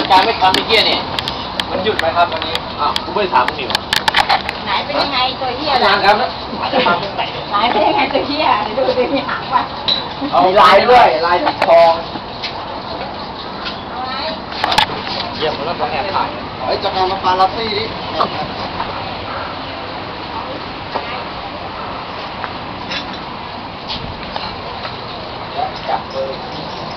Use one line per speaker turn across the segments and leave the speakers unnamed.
การไม่ทำเมื่อกี้เนี่ยมันหยุดไหมครับวันนี้อ้าวกูไม่ได้ถามมึงนี่
ไหนเป็นยังไงตัวเหี้ย
งานครับนะ
ไหนเป็นยังไงตัวเหี้ยดูดิมีหางว่ะ
เอาลายด้วยลายถักทองเยี่ยมแล้วต้องแอบถ่ายไอ้จักรยานมาปาลัสซี่ดิจับเบอร์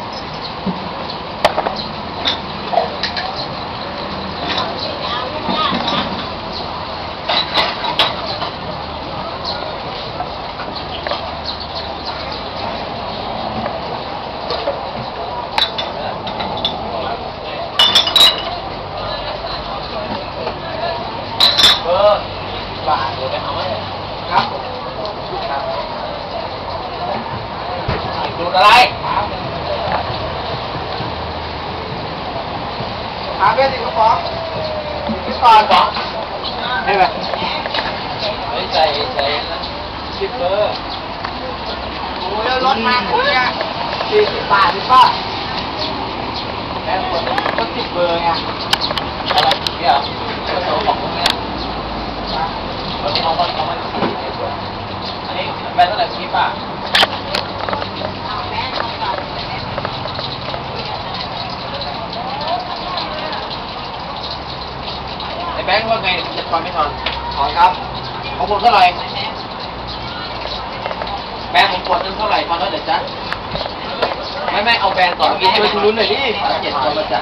บาทเลยเอาไหมครับดูอะไรหาเบสอีกกระป๋องพี่ปอนป๋องให้ไหมใส่10 เบอร์โอ้ยรถมาคุณเนี่ย40 บาทพี่ป้าแม่คนก็10 เบอร์ไงอะไรเนี่ยผสมของพวกนี้วันนี้เขาไม่อันนี้แบนเท่าไหร่พี่ป้าไอ้แบงค์ว่าไงจะทอนไม่ทอนทอนครับของผมเท่าไหร่แบงค์ผมกดนึงเท่าไหร่ทอนเท่าไหร่จ๊ะไม่เอาแบงค์ต่อกินให้ไปทุนหน่อยดิ7 ตัวมาจ้ะ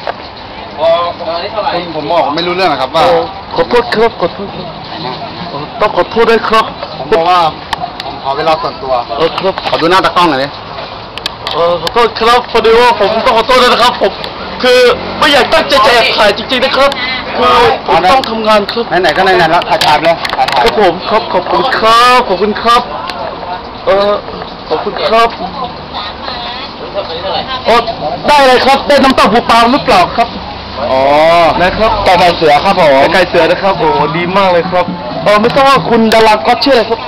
ผมบอกไม่รู้เรื่องนะครับว่า
ขอโทษครับขอโทษต้องขอโทษด้วยครับ
ผมบอกว่าผมขอเวลาส่วนตัว
ครับ
ขอดูหน้าตากล้องหน่อยดิ
ขอโทษครับพอดีว่าผมต้องขอโทษด้วยนะครับผมคือไม่อยากตั้งใจจะแอบถ่ายจริงๆนะครับคือผมต้องทำงานครับ
ไหนๆก็ไหนๆแล้วถ่ายเลย
ครับผมครับขอบคุณครับขอบคุณครับขอบคุณครับได้เลยครับได้น้ำเต้าหู้ปลาหรือเปล่าครับ
อ๋อ
นะครับ
ไก่เสือครับผม
ไก่เสือนะครับโอ้ดีมากเลยครับไม่ทราบว่าคุณดาราก็ชื่ออะไรครับ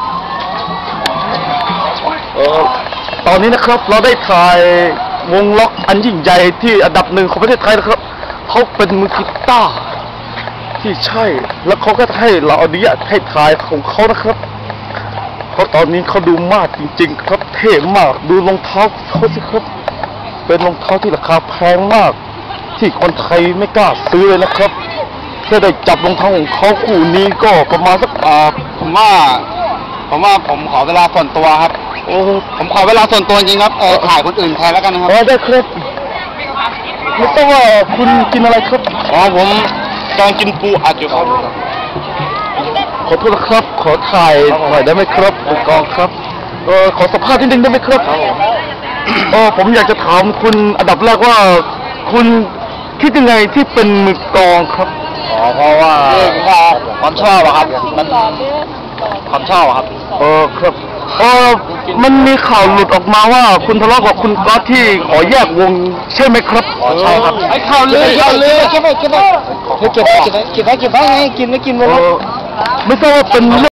ตอนนี้นะครับเราได้ถ่ายวงล็อกอันยิ่งใหญ่ที่อันดับ1ของประเทศไทยนะครับเขาเป็นมือกีตาร์ที่ใช่แล้วเขาก็ให้เราอนุญาตให้ถ่ายของเขานะครับเพราะตอนนี้เขาดูมากจริงๆครับเท่มากดูรองเท้าเขาสิครับเป็นรองเท้าที่ราคาแพงมากที่คนไทยไม่กล้าซื้อเลยนะครับเพื่อได้จับรองเท้าของเขาคู่นี้ก็ประมาณสัก
ผมว่าผมขอเวลาส่วนตัวครับผมขอเวลาส่วนตัวจริงครับถ่ายคนอื่นแทนแล้วกันนะครับ
ได้ครับไม่ทราบว่าคุณกินอะไรครับ
ผมกำลังกินปูอัดอยู่ครับ
ขอโทษนะครับขอถ่ายหน่อยได้ไหมครับผู้กองครับขอสัมภาษณ์นิดนึงได้ไหมครับผมอยากจะถามคุณอันดับแรกว่าคุณคิดยังไงที่เป็นมือกองครับ
เพราะว่าความชอบครับมันความชอบครับ
ครับมันมีข่าวหลุดออกมาว่าคุณทะเลาะกับคุณก๊อตที่ขอแยกวงใช่ไหมครับ
ใช่ครับ
ไอ้ข่าวลือ
เก็บไว้ไงกินไม่กินวง
ไม่ทราบว่าเป็น